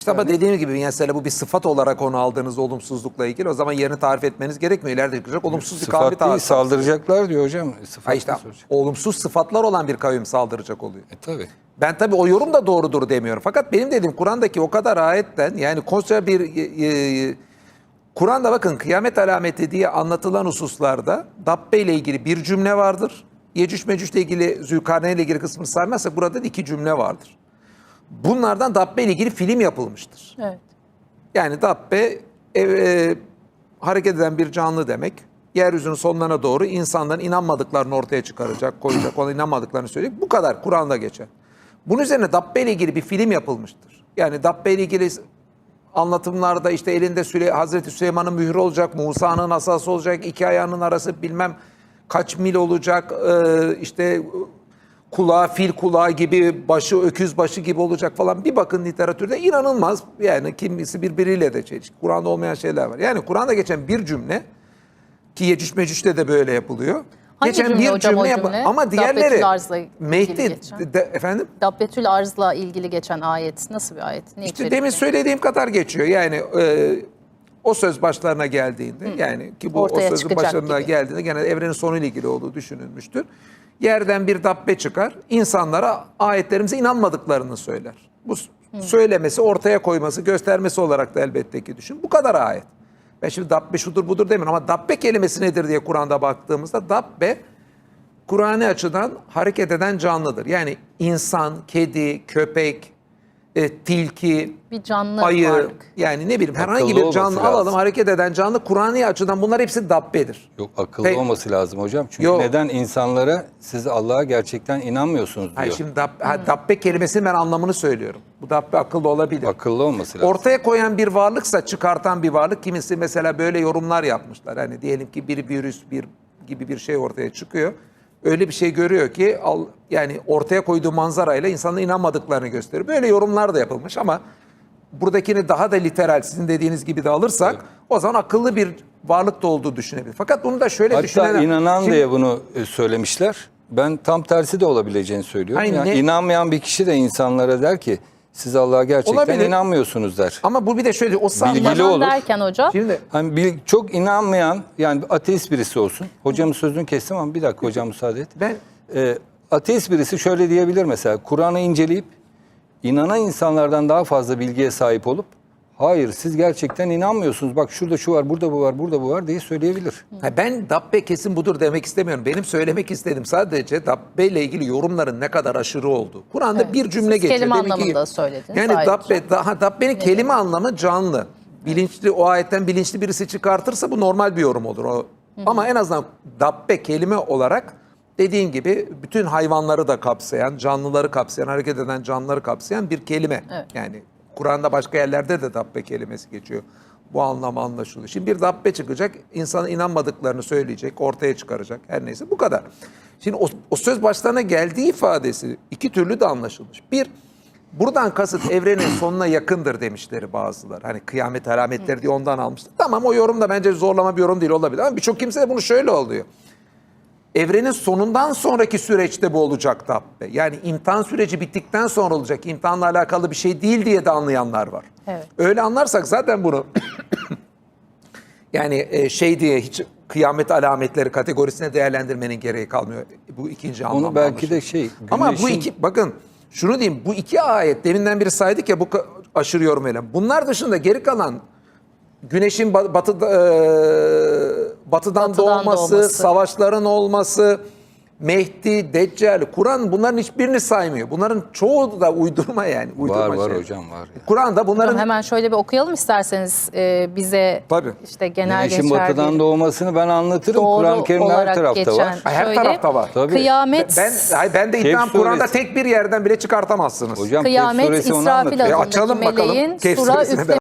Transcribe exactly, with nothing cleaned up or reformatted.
İşte ama dediğim gibi mesela bu bir sıfat olarak onu aldığınız olumsuzlukla ilgili o zaman yerini tarif etmeniz gerekmiyor. İleride çıkacak olumsuz bir kavmi Sıfat değil, tarif. saldıracaklar diyor hocam. Sıfat Ha işte, olumsuz sıfatlar olan bir kavim saldıracak oluyor. E tabii. Ben tabii o yorum da doğrudur demiyorum. Fakat benim dediğim Kur'an'daki o kadar ayetten yani koca bir e, e, Kur'an'da bakın kıyamet alameti diye anlatılan hususlarda Dabbe ile ilgili bir cümle vardır. Yecüc Mecüc ile ilgili Zülkarneyn ile ilgili kısmını saymazsak burada iki cümle vardır. Bunlardan Dabbe ile ilgili film yapılmıştır. Evet. Yani Dabbe e, e, hareket eden bir canlı demek. Yeryüzünün sonlarına doğru insanların inanmadıklarını ortaya çıkaracak, koyacak, ona inanmadıklarını söyleyecek. Bu kadar Kur'an'da geçer. Bunun üzerine Dabbe ile ilgili bir film yapılmıştır. Yani Dabbe ile ilgili anlatımlarda işte elinde Süle Hazreti Süleyman'ın mührü olacak, Musa'nın asası olacak, iki ayağının arası bilmem kaç mil olacak, e, işte kulağı fil kulağı gibi, başı öküz başı gibi olacak falan. Bir bakın literatürde inanılmaz yani kimisi birbiriyle de çelişki. Kur'an'da olmayan şeyler var. Yani Kur'an'da geçen bir cümle ki Yecüc Mecüc'te de böyle yapılıyor. Hangi geçen cümle bir hocam o yap- cümle? ama diğerleri Dabbetül Arz'la ilgili Mehdi geçen. de, efendim Dabbetül Arz'la ilgili geçen ayet nasıl bir ayet? Ne işte içerikli? demin söylediğim kadar geçiyor. Yani e, o söz başlarına geldiğinde yani ki bu Ortaya o sözün çıkacak başlarına gibi. geldiğinde gene evrenin sonuyla ilgili olduğu düşünülmüştür. Yerden bir dabbe çıkar. İnsanlara ayetlerimize inanmadıklarını söyler. Bu söylemesi, ortaya koyması, göstermesi olarak da elbette ki düşün. Bu kadar ayet. Ben şimdi dabbe şudur budur demiyorum ama dabbe kelimesi nedir diye Kur'an'da baktığımızda dabbe Kur'an'ı açıdan hareket eden canlıdır. Yani insan, kedi, köpek, e, tilki, Bir canlı ayı, varlık. yani ne bileyim herhangi Akıllı bir olması canlı lazım. alalım, hareket eden canlı Kur'an'ı açıdan bunlar hepsi dabbedir. Yok akıllı Pe- olması lazım hocam. Çünkü Yok. neden insanlara siz Allah'a gerçekten inanmıyorsunuz diyor. Hayır, şimdi dab, ha, dabbe kelimesinin ben anlamını söylüyorum. Bu dabbe akıllı olabilir. Akıllı olması lazım. Ortaya koyan bir varlıksa çıkartan bir varlık, kimisi mesela böyle yorumlar yapmışlar. Hani diyelim ki bir virüs bir gibi bir şey ortaya çıkıyor. Öyle bir şey görüyor ki al, yani ortaya koyduğu manzarayla insanların inanmadıklarını gösteriyor. Böyle yorumlar da yapılmış ama buradakini daha da literal sizin dediğiniz gibi de alırsak Evet. o zaman akıllı bir varlık da olduğu düşünebilir. Fakat bunu da şöyle Hatta düşünen... inanan Şimdi- diye bunu e, söylemişler. Ben tam tersi de olabileceğini söylüyorum. Hayır, Yani ne- inanmayan bir kişi de insanlara der ki siz Allah'a gerçekten Olabilir. inanmıyorsunuz der. Ama bu bir de şöyle o sahne... Bilgili İnanan olur. derken hocam. Şimdi Hani bir, çok inanmayan yani ateist birisi olsun. Hocamın sözünü kestim ama bir dakika hocam müsaade et. ben Ee, ateist birisi şöyle diyebilir mesela. Kur'an'ı inceleyip inanan insanlardan daha fazla bilgiye sahip olup hayır siz gerçekten inanmıyorsunuz. Bak şurada şu var, burada bu var, burada bu var diye söyleyebilir. Ha, ben dabbe kesin budur demek istemiyorum. Benim söylemek istediğim sadece dabbe ile ilgili yorumların ne kadar aşırı olduğu. Kur'an'da Evet, bir cümle siz geçiyor. kelime Demek ki- anlamında söylediniz Yani ayrıca. dabbe, daha dabbenin kelime anlamı canlı. Bilinçli o ayetten bilinçli birisi çıkartırsa bu normal bir yorum olur. O. Ama en azından dabbe kelime olarak dediğin gibi bütün hayvanları da kapsayan, canlıları kapsayan, hareket eden canlıları kapsayan bir kelime. Evet. Yani Kur'an'da başka yerlerde de dabbe kelimesi geçiyor. Bu anlam anlaşılıyor. Şimdi bir dabbe çıkacak, insana inanmadıklarını söyleyecek, ortaya çıkaracak. Her neyse bu kadar. Şimdi o, o söz başlarına geldiği ifadesi iki türlü de anlaşılmış. Bir, buradan kasıt evrenin sonuna yakındır demişleri bazıları. Hani kıyamet alametleri diye ondan almışlar. Tamam o yorum da bence zorlama bir yorum değil olabilir. Ama birçok kimse de bunu şöyle oluyor. Evrenin sonundan sonraki süreçte bu olacak dabbe. Yani imtihan süreci bittikten sonra olacak. İmtihanla alakalı bir şey değil diye de anlayanlar var. Evet. Öyle anlarsak zaten bunu yani e, şey diye hiç kıyamet alametleri kategorisine değerlendirmenin gereği kalmıyor. Bu ikinci anlamda. Onu belki de anlaşılıyor. şey Ama bu güneşin- iki bakın şunu diyeyim bu iki ayet deminden biri saydık ya bu ka- aşırı yorum eylem. Bunlar dışında geri kalan güneşin ba- batıda, e, batıdan, Batıdan doğması, doğması. savaşların olması, Mehdi, Deccal, Kur'an bunların hiçbirini saymıyor. Bunların çoğu da uydurma yani. Uydurma var var şey. hocam var. Ya. Kur'an'da bunların Hocam hemen şöyle bir okuyalım isterseniz e, bize Tabii. işte genel Güneşin geçer batıdan bir doğmasını ben anlatırım. doğru Kur'an-ı Kerim'de her olarak tarafta geçen var. her şöyle, tarafta var. Tabii. Kıyamet, ben hayır, ben de iddiam Kehf Kur'an'da suresi. tek bir yerden bile çıkartamazsınız. Hocam Kehf kıyamet suresi onu İsrafil anlatıyor. E, adındaki açalım bakalım. meleğin Kehf sura suresine üfle